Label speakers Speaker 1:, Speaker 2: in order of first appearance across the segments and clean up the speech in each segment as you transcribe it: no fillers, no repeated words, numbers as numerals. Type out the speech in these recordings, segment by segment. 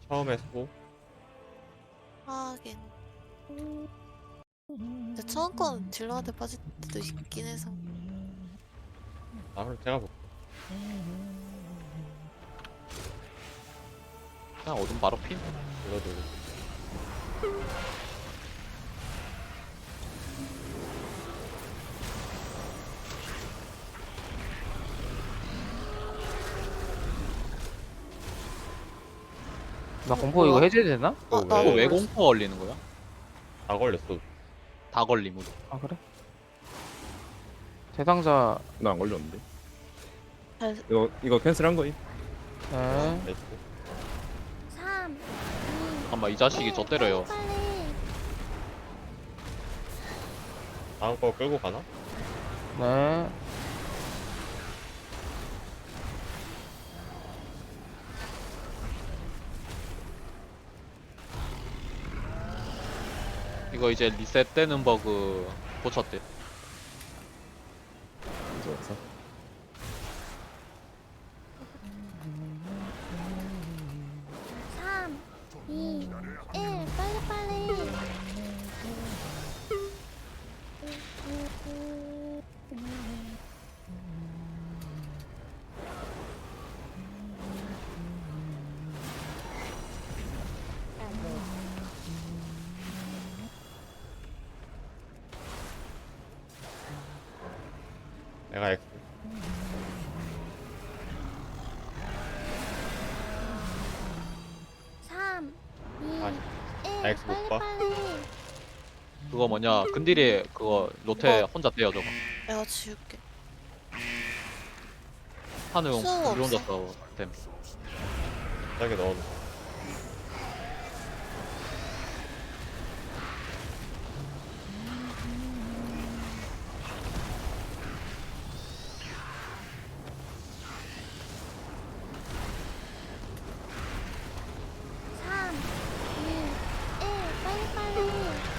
Speaker 1: 처음에 수고.
Speaker 2: 하긴. 근데 처음 건 딜러한테 빠질 때도 있긴 해서.
Speaker 1: 아, 그럼 제가 볼게.
Speaker 3: 그냥 어둠 바로 핀.
Speaker 1: 이거도.
Speaker 4: 나 공포 이거
Speaker 2: 뭐야?
Speaker 4: 해제되나?
Speaker 1: 이거
Speaker 2: 나
Speaker 3: 이거
Speaker 1: 왜
Speaker 3: 왜
Speaker 2: 걸렸어.
Speaker 3: 공포 걸리는 거야?
Speaker 1: 다 걸렸어?
Speaker 3: 다 걸림 우리.
Speaker 4: 아 그래? 대상자.
Speaker 5: 나 안 걸렸는데.
Speaker 2: 잘,
Speaker 5: 이거 캔슬한 거임?
Speaker 4: 네.
Speaker 1: 나이스.
Speaker 6: 3,
Speaker 3: 잠깐만 이 자식이 저 때려요.
Speaker 6: 빨리.
Speaker 1: 다음 거 끌고 가나?
Speaker 4: 네.
Speaker 3: 이거 이제 리셋되는 버그 고쳤대.
Speaker 5: 이제 없어.
Speaker 6: 3, 2, 1, 빨리.
Speaker 1: 내가 X.
Speaker 6: 3, 2,
Speaker 1: 아,
Speaker 6: 1,
Speaker 1: X 못 봐?
Speaker 6: 빨리.
Speaker 3: 그거 뭐냐 근딜이 그거 로테
Speaker 2: 어.
Speaker 3: 혼자 떼요 저거.
Speaker 2: 내가 지울게.
Speaker 3: 한우용
Speaker 2: 수호
Speaker 3: 우리 혼자
Speaker 2: 없어?
Speaker 3: 싸워 됨.
Speaker 1: 짜게 넣어.
Speaker 6: 3, 2, 1, 빨리.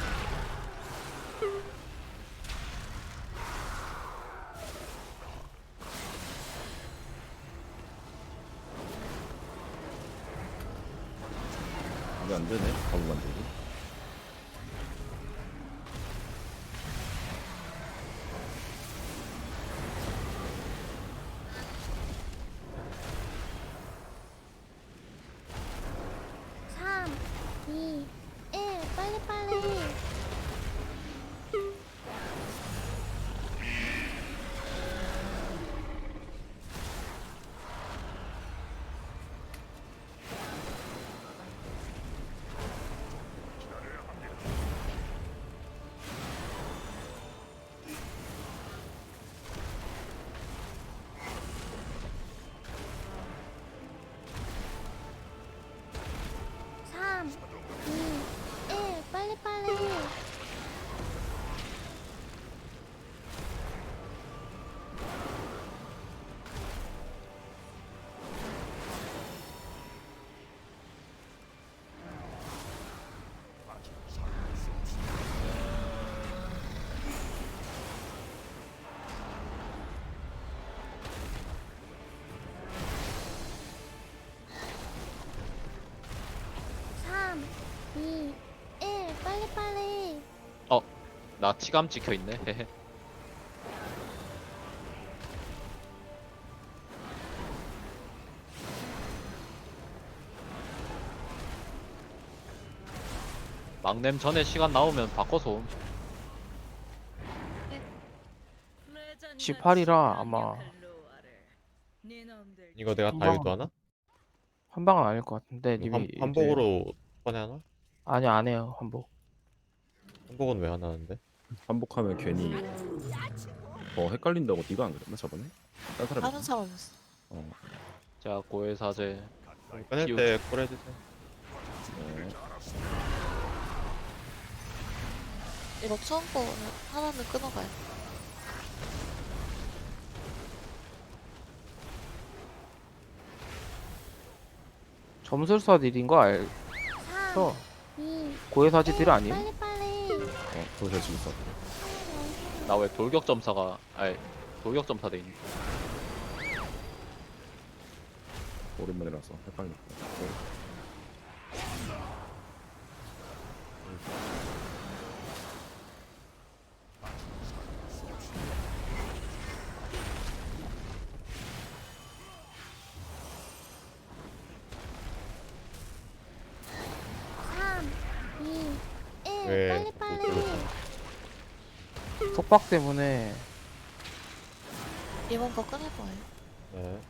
Speaker 5: 이게 안 되네. 가부 만들기.
Speaker 6: 삼, 2, 1, 빨리. 삼, 2, 1, 빨리. 삼, 2, 1, 빨리.
Speaker 3: 나 치감 찍혀 있네. 헤헤. 막냄 전에 시간 나오면 바꿔서 옴.
Speaker 4: 18이라 아마
Speaker 1: 이거 내가
Speaker 4: 한
Speaker 1: 다
Speaker 4: 방,
Speaker 1: 유도하나?
Speaker 4: 한 방은 아닐 것 같은데 님이
Speaker 1: 한복으로 꺼내하나?
Speaker 4: 아니 안 해요 한복.
Speaker 1: 한복은 왜 안 하는데?
Speaker 5: 반복하면 괜히 헷갈린다고 네가 안 그랬나 저번에? 딴 사람이?
Speaker 2: 다른 사람이었어.
Speaker 3: 자 고해 사제.
Speaker 1: 꺼낼
Speaker 3: 기우.
Speaker 1: 때 콜해주세요.
Speaker 5: 네.
Speaker 2: 이거 처음 거는 하나는 끊어가야 돼.
Speaker 4: 점술사 딜인 거
Speaker 6: 3,
Speaker 4: 알죠?
Speaker 6: 2,
Speaker 4: 고해사지 딜 아니에요?
Speaker 6: 빨리.
Speaker 5: 도저히 지금 써.
Speaker 3: 나 왜 돌격 점사가 아니 돌격 점사 돼 있니?
Speaker 5: 오랜만이라서 헷갈렸다.
Speaker 6: 삼, 이, 일.
Speaker 1: 왜
Speaker 6: 빨리 빨리.
Speaker 1: 못
Speaker 4: 속박 때문에
Speaker 2: 이번 거 끊을 거예요.
Speaker 1: 네.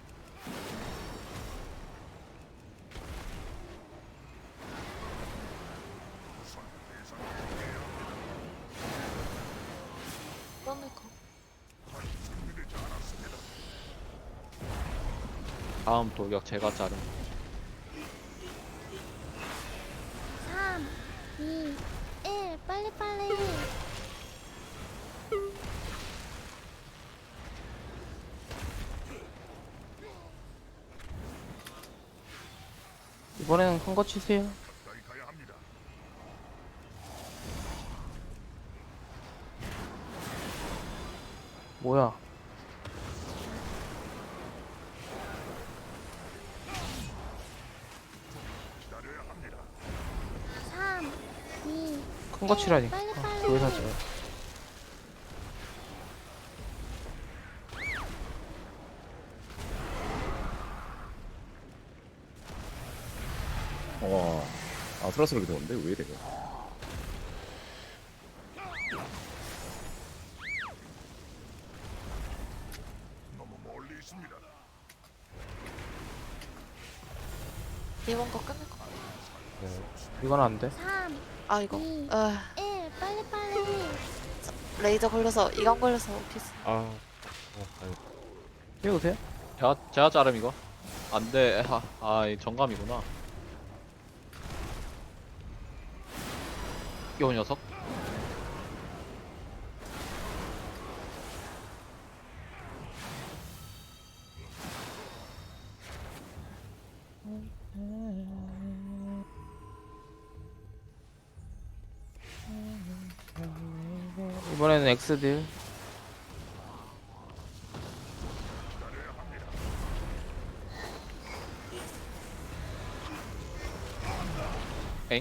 Speaker 2: 끊을 거.
Speaker 3: 다음 돌격 제가 자른.
Speaker 6: 3, 2, 1. 빨리 빨리.
Speaker 4: 이번에는 큰 거 치세요. 뭐야?
Speaker 6: 삼, 이,
Speaker 4: 큰 거 치라니.
Speaker 6: 빨리 빨리.
Speaker 4: 왜 사지?
Speaker 5: 와 아슬아슬하게 되는데 왜 이래요?
Speaker 2: 이번 거 끊을 거.
Speaker 1: 네.
Speaker 4: 이건 안 돼.
Speaker 6: 3,
Speaker 2: 아 이거.
Speaker 6: 2,
Speaker 2: 아
Speaker 6: 1. 빨리 빨리.
Speaker 2: 레이저 걸려서 이감 걸려서 오피스.
Speaker 1: 아니,
Speaker 4: 띄우세요.
Speaker 3: 제가 자름 이거. 안돼. 이 정감이구나. 요 녀석.
Speaker 4: 이번에는 X딜.
Speaker 3: 엥?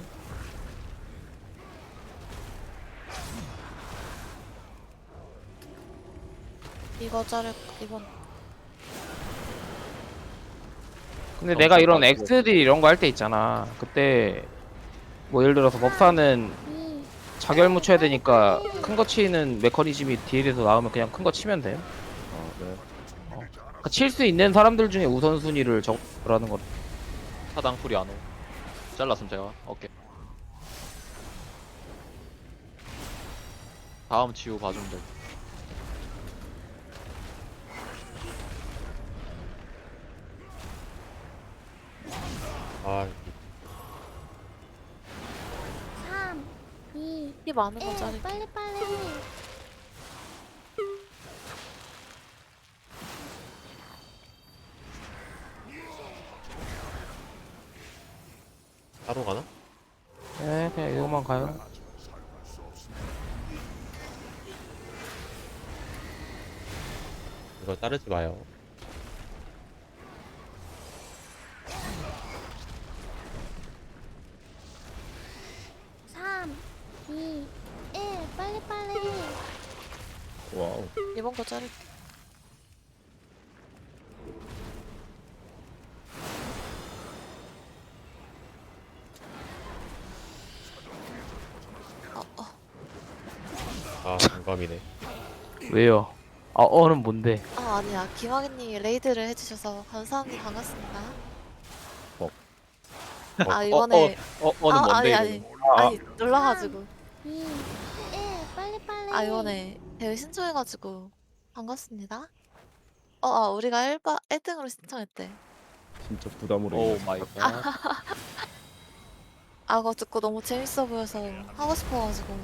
Speaker 2: 이거 자를 이번.
Speaker 4: 근데
Speaker 3: 어,
Speaker 4: 내가 이런
Speaker 3: 잠깐,
Speaker 4: X딜 이런 거 할 때 있잖아. 그때 뭐 예를 들어서 법사는
Speaker 6: 2,
Speaker 4: 자결 묻혀야 되니까 큰 거 치는 메커니즘이 딜에서 나오면 그냥 큰 거 치면 돼요.
Speaker 5: 아 네.
Speaker 4: 그러니까 칠 수 있는 사람들 중에 우선순위를 적으라는 거.
Speaker 3: 사당 풀이 안 오. 잘랐음 제가. 오케이. 다음 치유 봐주면 돼.
Speaker 1: 아
Speaker 6: 3, 2,
Speaker 2: 피 많은 거
Speaker 6: 1.
Speaker 2: 자를.
Speaker 6: 빨리 빨리.
Speaker 1: 따로 가나?
Speaker 4: 네, 그냥 이거만 가요.
Speaker 1: 이거 자르지 마요.
Speaker 6: 삼, 2, 1. 빨리 빨리.
Speaker 5: 와우.
Speaker 2: 이번 거 자를.
Speaker 1: 아 공감이네.
Speaker 4: 왜요? 어는 뭔데?
Speaker 2: 아 아니야. 김학인님이 레이드를 해주셔서 감사합니다. 반갑습니다. 아 이번에
Speaker 3: 어는 뭔데
Speaker 2: 아니
Speaker 3: 이거?
Speaker 2: 아니 놀라가지고
Speaker 6: 2, 1. 빨리 빨리.
Speaker 2: 아 이번에 대회 신청해가지고 반갑습니다. 우리가 1등으로 신청했대.
Speaker 5: 진짜 부담으로
Speaker 3: 오
Speaker 5: 인해서.
Speaker 3: 마이 갓.
Speaker 2: 그거 듣고 너무 재밌어 보여서 하고 싶어가지고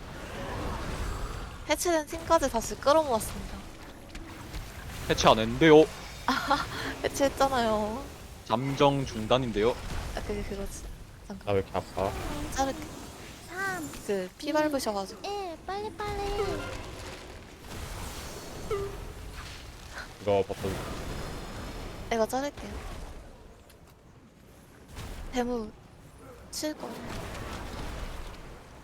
Speaker 2: 해체된 팀까지 다시 끌어모았습니다.
Speaker 3: 해체 안 했는데요.
Speaker 2: 해체했잖아요.
Speaker 3: 잠정 중단인데요.
Speaker 2: 그게 그거지. 잠깐
Speaker 1: 나 왜 이렇게 아파?
Speaker 2: 자를게.
Speaker 6: 3,
Speaker 2: 피 밟으셔가지고
Speaker 6: 1. 빨리 빨리.
Speaker 1: 이거 버튼
Speaker 2: 내가 자를게요. 대무 칠 거.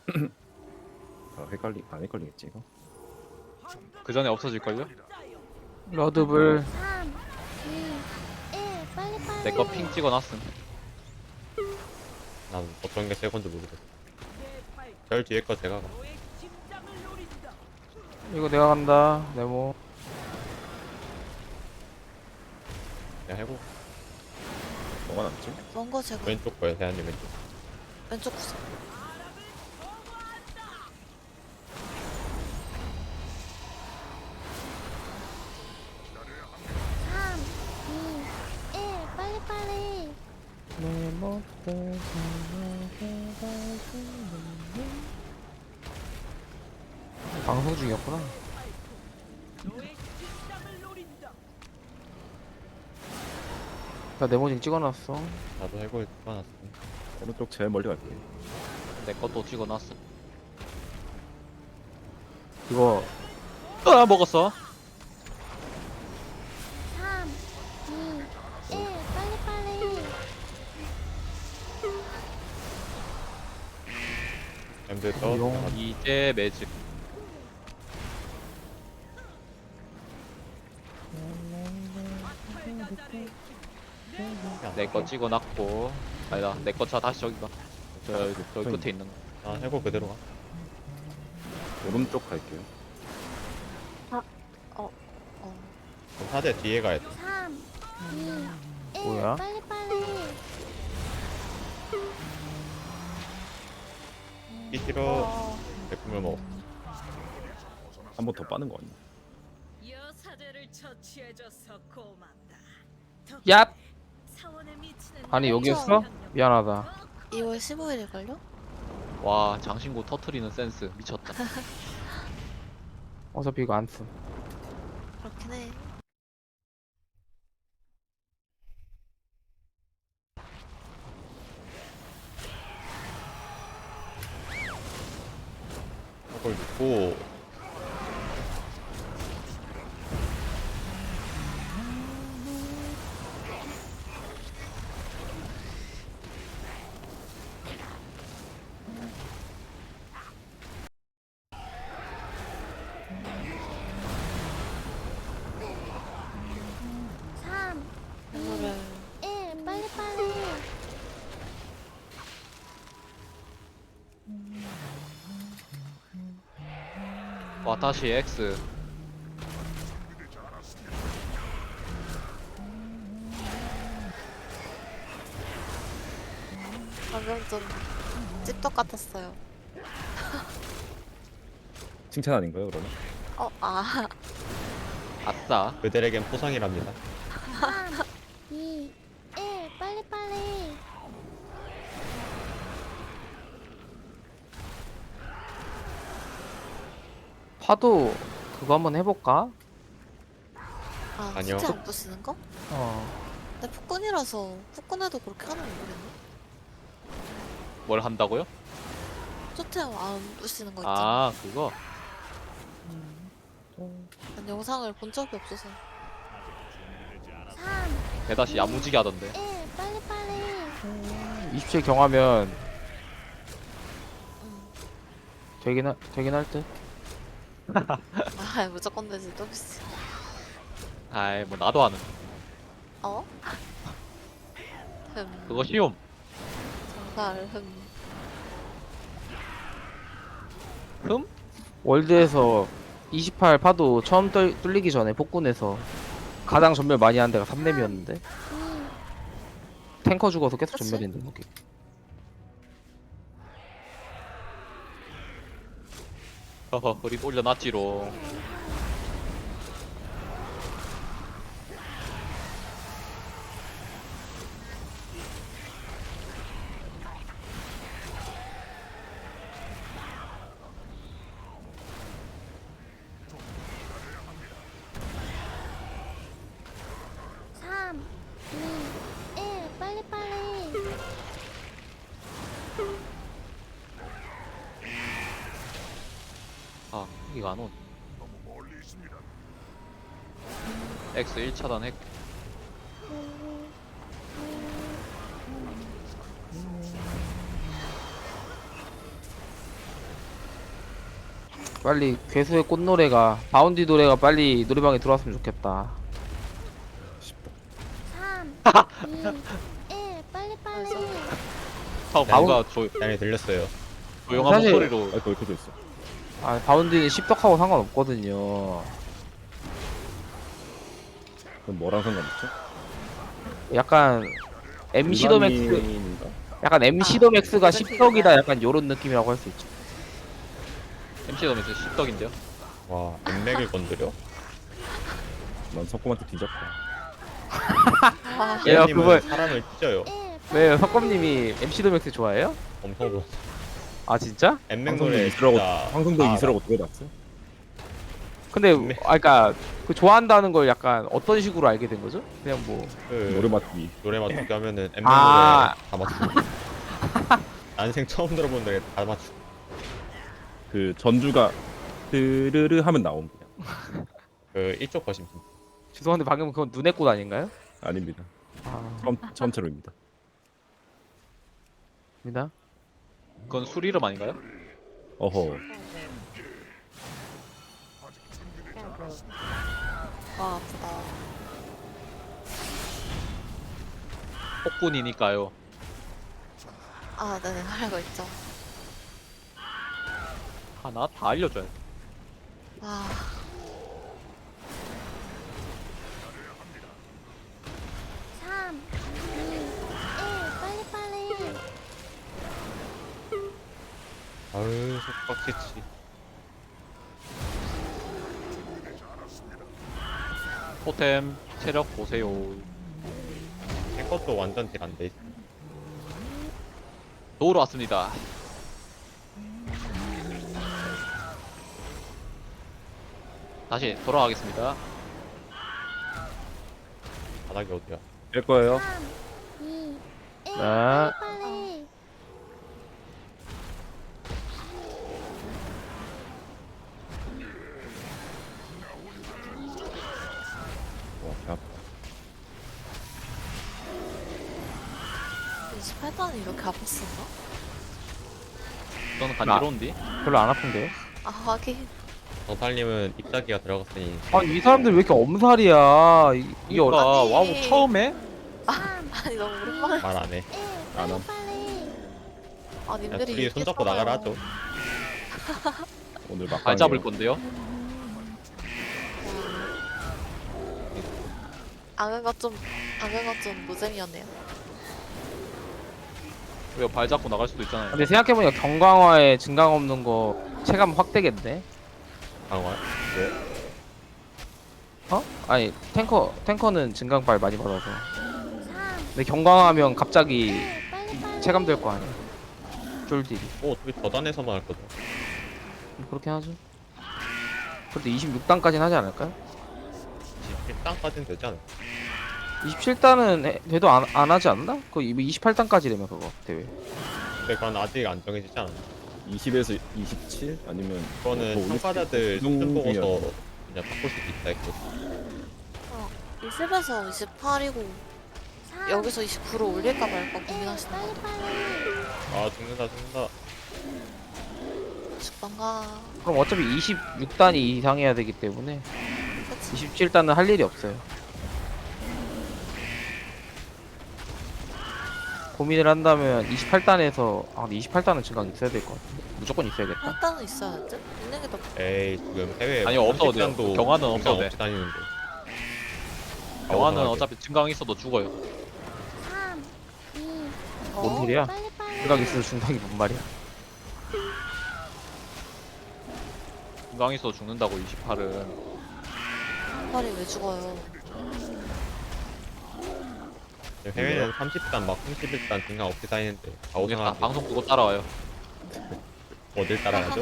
Speaker 5: 아, 안 헷갈리겠지 이거?
Speaker 3: 그 전에 없어질걸요?
Speaker 4: 러드블
Speaker 6: 3, 2, 1 빨리빨리.
Speaker 3: 내 거 핑 찍어놨음.
Speaker 1: 난 어떤 게 새 건지 모르겠어. 제일 뒤에 거 제가 가.
Speaker 4: 이거 내가 간다 네모.
Speaker 1: 그냥 해고.
Speaker 5: 뭐가 남지?
Speaker 2: 먼거 제가
Speaker 1: 왼쪽 거예요, 대한님 왼쪽.
Speaker 2: 왼쪽 구석.
Speaker 6: 삼, 이, 일 빨리빨리.
Speaker 4: 방송 중이었구나. 나 네모징 찍어놨어.
Speaker 1: 나도 해고에 찍어놨어.
Speaker 5: 오른쪽 제일 멀리 갈게.
Speaker 3: 내 것도 찍어놨음.
Speaker 4: 이거
Speaker 3: 아 먹었어.
Speaker 6: 3, 2, 1 빨리빨리.
Speaker 1: 엠드 떠.
Speaker 4: 용.
Speaker 3: 이제 매직. 내 거 찍어놨고. 아니다. 내 거 차 다시 저기가. 저 끝에 있는 거.
Speaker 1: 아, 해고 그대로 가.
Speaker 5: 오른쪽 갈게요.
Speaker 1: 그럼 사대 뒤에 가야 돼.
Speaker 6: 3, 2, 1
Speaker 4: 뭐야?
Speaker 6: 빨리빨리.
Speaker 1: 이 싫어.
Speaker 2: 어,
Speaker 1: 제품을 먹어.
Speaker 5: 한 번 더 빠는 거 아니야?
Speaker 7: 여사제를 처치해줘서 고맙다.
Speaker 4: 얍!
Speaker 7: 사원에 미치는
Speaker 4: 아니 여기였어? 미안하다.
Speaker 2: 2월 15일일걸요?
Speaker 3: 와 장신구 터트리는 센스 미쳤다.
Speaker 4: 어차피 이거 안 쓴.
Speaker 2: 그렇긴 해.
Speaker 1: 그걸 넣고.
Speaker 6: 삼,
Speaker 2: 이거를
Speaker 6: 1 빨리빨리.
Speaker 3: 와 다시 X.
Speaker 2: 방금 좀 찝떡 같았어요.
Speaker 5: 칭찬 아닌가요 그러면?
Speaker 2: 아,
Speaker 3: 아싸.
Speaker 1: 그들에겐 포상이랍니다.
Speaker 6: 3, 2, 1 빨리빨리.
Speaker 4: 파도 그거 한번 해볼까?
Speaker 1: 아니요.
Speaker 2: 수트 안 부시는 거?
Speaker 4: 어.
Speaker 2: 근데 폭군이라서 폭군에도 그렇게 하는 거 모르겠네.
Speaker 3: 뭘 한다고요?
Speaker 2: 수트 안 부시는 거 있잖아.
Speaker 3: 아 그거.
Speaker 2: 난 영상을 본 적이 없어서.
Speaker 6: 3,
Speaker 3: 대다시 야무지게 하던데.
Speaker 6: 1 빨리빨리.
Speaker 4: 27 경하면
Speaker 2: 응.
Speaker 4: 되긴 할 듯.
Speaker 2: 아, 무조건 되지 또 비싸.
Speaker 3: 아이 뭐 나도 하는.
Speaker 2: 어?
Speaker 3: 그거 쉬움.
Speaker 2: 정말
Speaker 3: 흠?
Speaker 4: 월드에서 28 파도 처음 뚫리기 전에 폭군에서 가장 전멸 많이 한 데가 3렘이었는데
Speaker 6: 2,
Speaker 4: 탱커 죽어서 계속
Speaker 2: 그치?
Speaker 4: 전멸인데 거기.
Speaker 3: 허허 흐릿 올려놨지로.
Speaker 6: 삼, 2, 1 빨리빨리.
Speaker 3: 아 이거 안 온. X 1차단 핵.
Speaker 4: 빨리 괴수의 꽃노래가 바운디 노래가 빨리 노래방에 들어왔으면 좋겠다.
Speaker 6: 3, 2, 1 빨리빨리.
Speaker 3: 뭔가
Speaker 1: 양이 들렸어요.
Speaker 3: 조용한
Speaker 4: 사실-
Speaker 3: 목소리로
Speaker 5: 아이고 이렇게 있어.
Speaker 4: 아 바운디는 십덕하고 상관없거든요.
Speaker 5: 그럼 뭐랑 상관없죠?
Speaker 4: 약간 MC 더 맥스,
Speaker 5: 일반인인가?
Speaker 4: 약간 MC 더 맥스가 십덕이다 약간 요런 느낌이라고 할 수 있죠.
Speaker 3: MC 더면서 십덕인데요.
Speaker 1: 와, 엠맥을 건드려?
Speaker 5: 난 석곰한테 뒤졌다.
Speaker 2: 아,
Speaker 4: 야,
Speaker 1: 쌤님은
Speaker 4: 그걸-
Speaker 1: 사람을 찢어요.
Speaker 6: 1
Speaker 4: 왜요? 석검님이 MC 더 맥스 좋아해요?
Speaker 1: 엄청 좋아.
Speaker 4: 아 진짜?
Speaker 1: 엠맥
Speaker 5: 방송도
Speaker 1: 노래
Speaker 5: 이수라고
Speaker 1: 진짜.
Speaker 5: 방송도
Speaker 1: 아,
Speaker 5: 이수라고 들어봤어?
Speaker 4: 근데
Speaker 1: 네.
Speaker 4: 그러니까 그 좋아한다는 걸 약간 어떤 식으로 알게 된 거죠? 그냥 뭐
Speaker 1: 그
Speaker 5: 노래 맞기.
Speaker 1: 노래 맞추기 하면은 엠맥
Speaker 4: 아.
Speaker 1: 노래 다 맞추고. 난생 처음 들어본 노래 다 맞추고.
Speaker 5: 그 전주가 드르르 하면 나옴 그냥.
Speaker 1: 그 이쪽 거심.
Speaker 4: 죄송한데 방금 그건 눈의 꽃 아닌가요?
Speaker 5: 아닙니다.
Speaker 4: 아,
Speaker 5: 처음처럼입니다.
Speaker 4: 입니다.
Speaker 3: 그건 술 이름 아닌가요?
Speaker 5: 어허.
Speaker 2: 와 아프다.
Speaker 3: 폭군이니까요.
Speaker 2: 아 네네 알고 있죠.
Speaker 3: 하나 다 알려줘야 돼.
Speaker 2: 와
Speaker 6: 3, 2, 1 빨리빨리.
Speaker 1: 아유, 속박치치.
Speaker 3: 토템 체력 보세요.
Speaker 1: 제 것도 완전 딜 안 돼 있어.
Speaker 3: 도우러 왔습니다. 다시 돌아가겠습니다.
Speaker 1: 바닥이 어디야?
Speaker 5: 될 거예요.
Speaker 6: 3, 2, 1
Speaker 4: 네.
Speaker 6: 빨리빨리.
Speaker 5: 와, 배 아파.
Speaker 2: 28단이 이렇게 아팠었나?
Speaker 3: 저는 간지러운디.
Speaker 4: 별로 안 아픈데요?
Speaker 2: 아 하긴.
Speaker 1: 정팔님은 입사기가 들어갔으니
Speaker 4: 아니 이 사람들 왜 이렇게 엄살이야? 이게
Speaker 3: 그러니까
Speaker 2: 아니.
Speaker 3: 와우 처음에
Speaker 6: 3,
Speaker 2: 아니 너무 오랜만에.
Speaker 1: 말 안 해.
Speaker 6: 1
Speaker 5: 안 함.
Speaker 6: 빨리빨리.
Speaker 2: 아
Speaker 1: 야,
Speaker 2: 님들이
Speaker 1: 둘이 손잡고 나가라 하죠.
Speaker 5: 오늘 막방.
Speaker 3: 발 잡을 건데요.
Speaker 2: 악어가 좀 무잼이었네요.
Speaker 3: 왜요? 발 잡고 나갈 수도 있잖아요.
Speaker 4: 근데 생각해보니까 경강화에 증강 없는 거 체감 확 되겠네.
Speaker 1: 강화.
Speaker 4: 어? 아니 탱커는 증강발 많이 받아서.
Speaker 6: 3,
Speaker 4: 근데 경강하면 갑자기
Speaker 6: 1 빨리빨리.
Speaker 4: 체감될 거 아니야. 쫄딜이.
Speaker 1: 오, 어차피 저단에서만 할 거죠.
Speaker 4: 그렇긴 하죠. 그래도 26단까지는 하지 않을까요?
Speaker 1: 1단까지는 되지 않을까?
Speaker 4: 27단은 돼도 안 하지 않나? 그거 28단까지 되면 그거 대회.
Speaker 1: 근데 그건 아직 안 정해지지 않았나?
Speaker 5: 20에서 27 아니면
Speaker 1: 그거는
Speaker 5: 뭐
Speaker 1: 참가자들
Speaker 5: 우승
Speaker 1: 수준 보고서
Speaker 5: 중이어서.
Speaker 1: 그냥 바꿀 수도 있다 했고.
Speaker 2: 20에서 28이고
Speaker 6: 3,
Speaker 2: 여기서 29로 올릴까 말까
Speaker 6: 1
Speaker 2: 고민하시는 것 같아요.
Speaker 6: 빨리빨리.
Speaker 1: 아, 죽는다.
Speaker 2: 죽던가.
Speaker 4: 그럼 어차피 26단이 이상해야 되기 때문에
Speaker 2: 그치?
Speaker 4: 27단은 할 일이 없어요. 고민을 한다면 28단에서 근데 28단은 증강 있어야 될 것 같은데 무조건 있어야겠다.
Speaker 2: 8단은 있어야지. 있는 게 더.
Speaker 1: 에이, 지금 해외
Speaker 3: 아니요, 없어도 돼요.
Speaker 1: 30단도
Speaker 3: 경화는 없어도 돼.
Speaker 1: 없이 다니는데.
Speaker 3: 영화는
Speaker 1: 아우성하게.
Speaker 3: 어차피 증강 있어도 죽어요.
Speaker 6: 3, 2,
Speaker 4: 뭔
Speaker 2: 어?
Speaker 4: 소리야?
Speaker 6: 빨리빨리.
Speaker 4: 증강 있어서 중당이 뭔 말이야?
Speaker 3: 증강 있어도 죽는다고 28은.
Speaker 2: 팔이 왜 죽어요?
Speaker 1: 해외는 30단 막 31단 등강 없이 다니는데
Speaker 3: 모르겠다.
Speaker 1: 아우성하게
Speaker 3: 방송 끄고 따라와요.
Speaker 1: 어딜 따라가죠?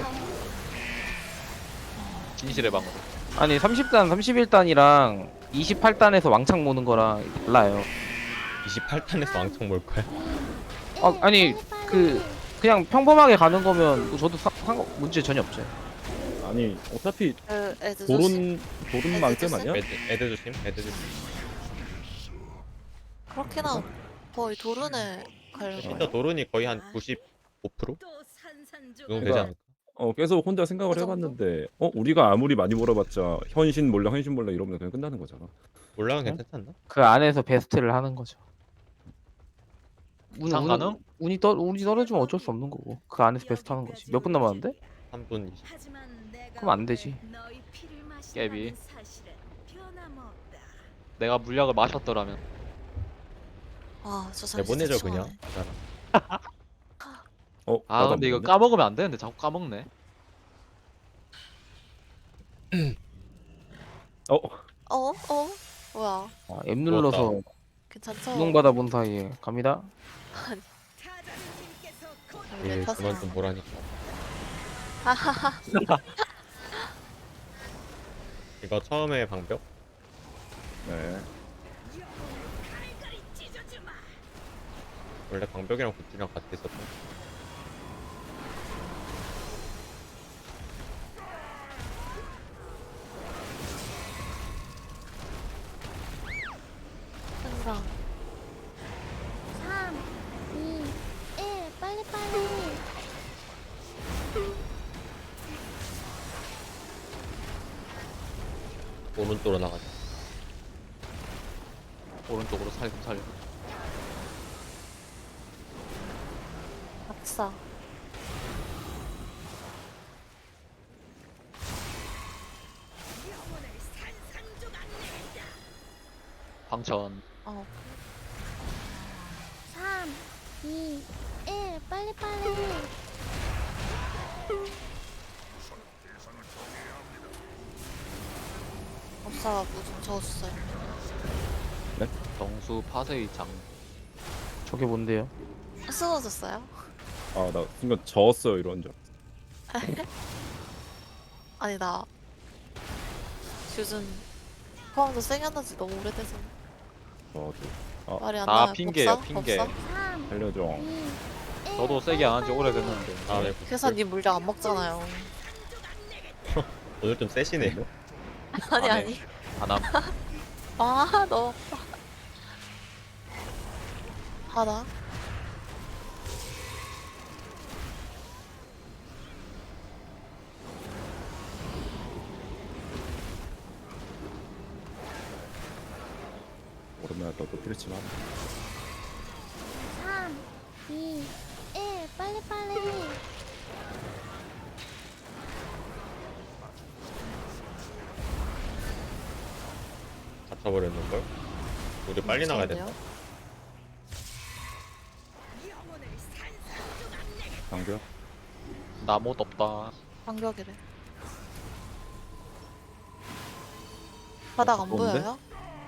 Speaker 3: 진실의 방으로.
Speaker 4: 아니 30단, 31단이랑 28단에서 왕창 모는 거랑 달라요.
Speaker 1: 28단에서 왕창 몰 거야.
Speaker 4: 아니 그냥 평범하게 가는 거면 뭐 저도 문제 전혀 없어요.
Speaker 5: 아니 어차피
Speaker 2: 그 애들 조심.
Speaker 5: 도른 만큼 아니야?
Speaker 1: 애들 조심.
Speaker 2: 그렇긴 함. 거의 도른에 가려고.
Speaker 1: 진짜 도른이 거의 한 95%?
Speaker 7: 또 산산조각.
Speaker 1: 정도 되지
Speaker 5: 그러니까
Speaker 1: 않을까?
Speaker 5: 계속 혼자 생각을
Speaker 2: 그 정도?
Speaker 5: 해봤는데 우리가 아무리 많이 몰아봤자 현신 몰라 이러면 그냥 끝나는 거잖아.
Speaker 1: 올라가
Speaker 4: 어?
Speaker 1: 괜찮지 않나?
Speaker 4: 그 안에서 베스트를 하는 거죠.
Speaker 3: 상가능?
Speaker 4: 운이 떨어지면 어쩔 수 없는 거고 그 안에서 베스트 하는 거지. 몇 분 남았는데?
Speaker 1: 3분 20.
Speaker 4: 그럼 안 되지.
Speaker 3: 깨비.
Speaker 7: 사실은 변함없다.
Speaker 3: 내가 물약을 마셨더라면.
Speaker 2: 아, 저 사람
Speaker 1: 내보내죠
Speaker 2: 진짜
Speaker 1: 그냥.
Speaker 2: 추하네.
Speaker 1: 가자라.
Speaker 3: 아
Speaker 5: 나도 안
Speaker 3: 근데 이거
Speaker 5: 먹었네?
Speaker 3: 까먹으면 안 되는데 자꾸 까먹네.
Speaker 2: 어? 뭐야?
Speaker 4: M 눌러서
Speaker 2: 괜찮죠?
Speaker 4: 수능받아 본 사이에 갑니다.
Speaker 7: 타자님께서 곧
Speaker 1: 예,
Speaker 2: 탔어.
Speaker 1: 그만 좀 보라니까. 이거 처음에 방벽?
Speaker 5: 네.
Speaker 7: 갈갈이 찢어주마.
Speaker 1: 원래 방벽이랑 굿즈랑 같이 있었던.
Speaker 2: 생강.
Speaker 6: 3, 2, 1. 빨리빨리.
Speaker 1: 오른쪽으로 나가자.
Speaker 3: 오른쪽으로 살금.
Speaker 2: 박사.
Speaker 7: 영혼을 산산조각 내겠다.
Speaker 3: 방천.
Speaker 2: 어.
Speaker 6: 3, 2, 1. 빨리빨리.
Speaker 2: 법사가 무좀 저어줬어요.
Speaker 3: 정수 파세의 장.
Speaker 4: 저게 뭔데요?
Speaker 2: 쓰러졌어요?
Speaker 5: 나 순간 졌어요 이런 줄.
Speaker 2: 아니 나 요즘 포함도 생각난 지 너무 오래돼서
Speaker 5: 저도
Speaker 2: 말이 안
Speaker 3: 다
Speaker 2: 나요.
Speaker 3: 핑계예요,
Speaker 2: 법사?
Speaker 3: 핑계.
Speaker 2: 법사?
Speaker 6: 3,
Speaker 5: 살려줘.
Speaker 6: 2, 1.
Speaker 3: 저도 세게 안 한 지 오래됐는데.
Speaker 1: 아, 네.
Speaker 2: 그래서 님 물량 안 먹잖아요.
Speaker 1: 오늘 좀 세시네요.
Speaker 2: 아니
Speaker 3: 안 해.
Speaker 2: 아니.
Speaker 3: 안함.
Speaker 2: 아 너. 하나.
Speaker 5: 오랜만에 또 피르치만.
Speaker 6: 3, 2, 1. 빨리빨리.
Speaker 1: 갇혀버렸는걸? 우리 빨리 나가야 된다.
Speaker 7: 영혼을 산산조각 내겠다.
Speaker 5: 방벽.
Speaker 3: 나 못 없다.
Speaker 2: 반격이래. 바닥 안
Speaker 5: 가까운데?
Speaker 2: 보여요?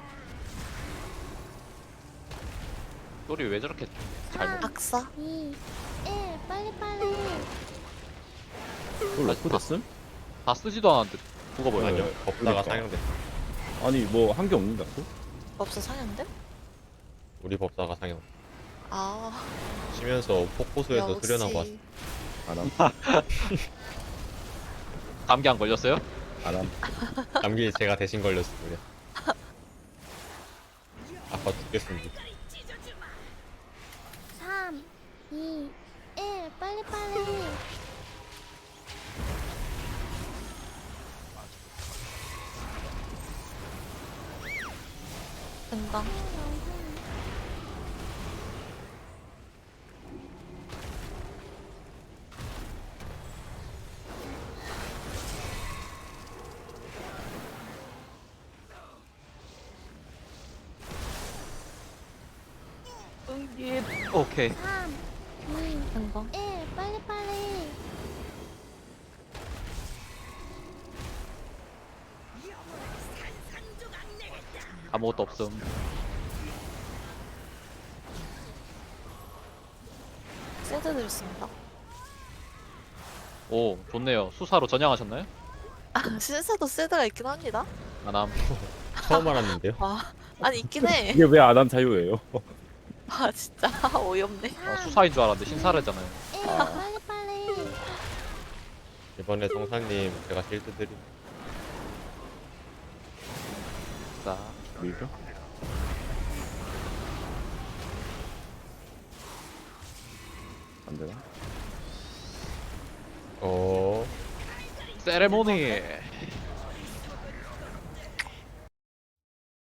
Speaker 3: 소리 왜 저렇게 잘못?
Speaker 2: 악사?
Speaker 6: 2, 1. 빨리빨리.
Speaker 5: 이걸 넣고 됐음?
Speaker 3: 다 쓰지도 않았는데 죽어버려.
Speaker 1: 아니요. 법사가
Speaker 5: 그러니까.
Speaker 1: 상향됐어.
Speaker 5: 아니 뭐 한 게 없는데 또?
Speaker 2: 법사 상향돼?
Speaker 1: 우리 법사가 상향.
Speaker 2: 아
Speaker 1: 쉬면서 폭포수에서
Speaker 2: 역시.
Speaker 1: 수련하고 왔어.
Speaker 5: 안함.
Speaker 3: 감기 안 걸렸어요?
Speaker 5: 안함.
Speaker 1: 감기 제가 대신 걸렸어. 그래. 아까 죽겠습니다.
Speaker 6: 3, 2, 1. 빨리빨리.
Speaker 2: 금방.
Speaker 3: 오케이.
Speaker 6: 3, 2,
Speaker 2: 금방.
Speaker 6: 1. 빨리빨리.
Speaker 3: 아무것도 없음.
Speaker 2: 세드 드렸습니다.
Speaker 3: 오 좋네요. 수사로 전향하셨나요?
Speaker 2: 아, 신세도 세드가 있긴 합니다.
Speaker 3: 안함.
Speaker 1: 처음 알았는데요.
Speaker 2: 아, 아니 있긴 해.
Speaker 5: 이게 왜 안함 자유예요?
Speaker 2: 아 진짜 어이없네.
Speaker 3: 수사인 줄 알았는데 신사래잖아요.
Speaker 6: 1. 빨리빨리.
Speaker 1: 이번에 성사님 제가 실드 드림.
Speaker 3: 자,
Speaker 5: 밀죠? 안 되나?
Speaker 1: 어.
Speaker 3: 세레모니.